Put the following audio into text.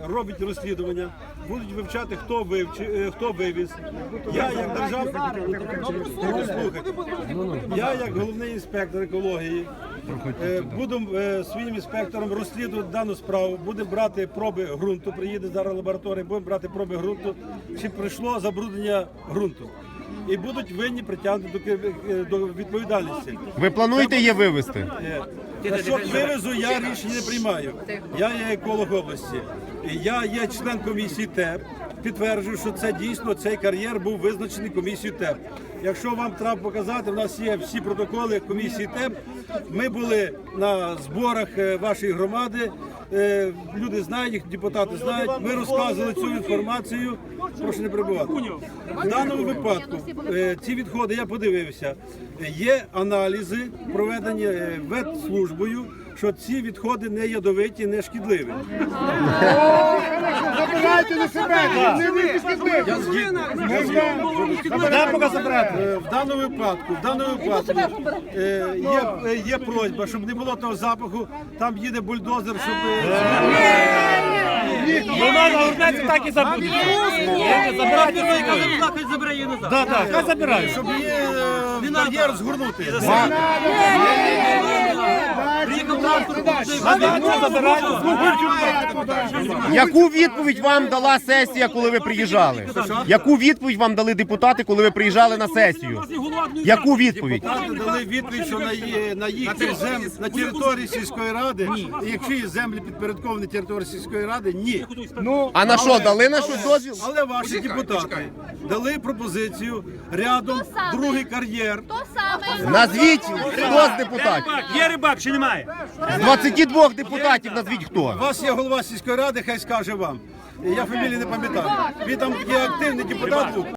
робить розслідування, будуть вивчати, хто вивіз. Я як державний, я як головний інспектор екології буду своїм інспектором розслідувати дану справу, будемо брати проби ґрунту, приїде зараз лабораторія, будемо брати проби ґрунту, чи прийшло забруднення ґрунту. І будуть винні притягнути до відповідальності. Ви плануєте її вивезти? Що вивезу, я рішення не приймаю. Я є еколог області. Я є член комісії ТЕП. Підтверджую, що це дійсно цей кар'єр був визначений комісією ТЕП. Якщо вам треба показати, в нас є всі протоколи комісії ТЕП. Ми були на зборах вашої громади. Люди знають, їх депутати знають. Ми розказували цю інформацію. Прошу не перебувати. В даному випадку ці відходи, я подивився, є аналізи, проведені ветслужбою, що ці відходи не ядовиті, не шкідливі. Забирайте на себе, не ви шкідливі. В даному випадку є просьба, щоб не було того запаху, там їде бульдозер, щоб... Вона на урнеці так і забуде. Хай забере її назад. Так, хай забирає. Щоб її кар'єр згорнути. Яку відповідь вам дала сесія, коли ви приїжджали? Яку відповідь вам дали депутати, коли ви приїжджали на сесію? Яку відповідь? Депутати дали відповідь, що на їхній землі, на території сільської ради, і якщо є землі підпорядковані території сільської ради, ні. А на що, дали на щось дозвіл? Але ваші депутати дали пропозицію рядом другий кар'єр. Назвіть, хто з депутатів? Є рибак чи немає? З 22 депутатів назвіть хто. У вас є голова сільської ради, хай скаже вам. Я фамілії не пам'ятаю. Він там є активний депутат був.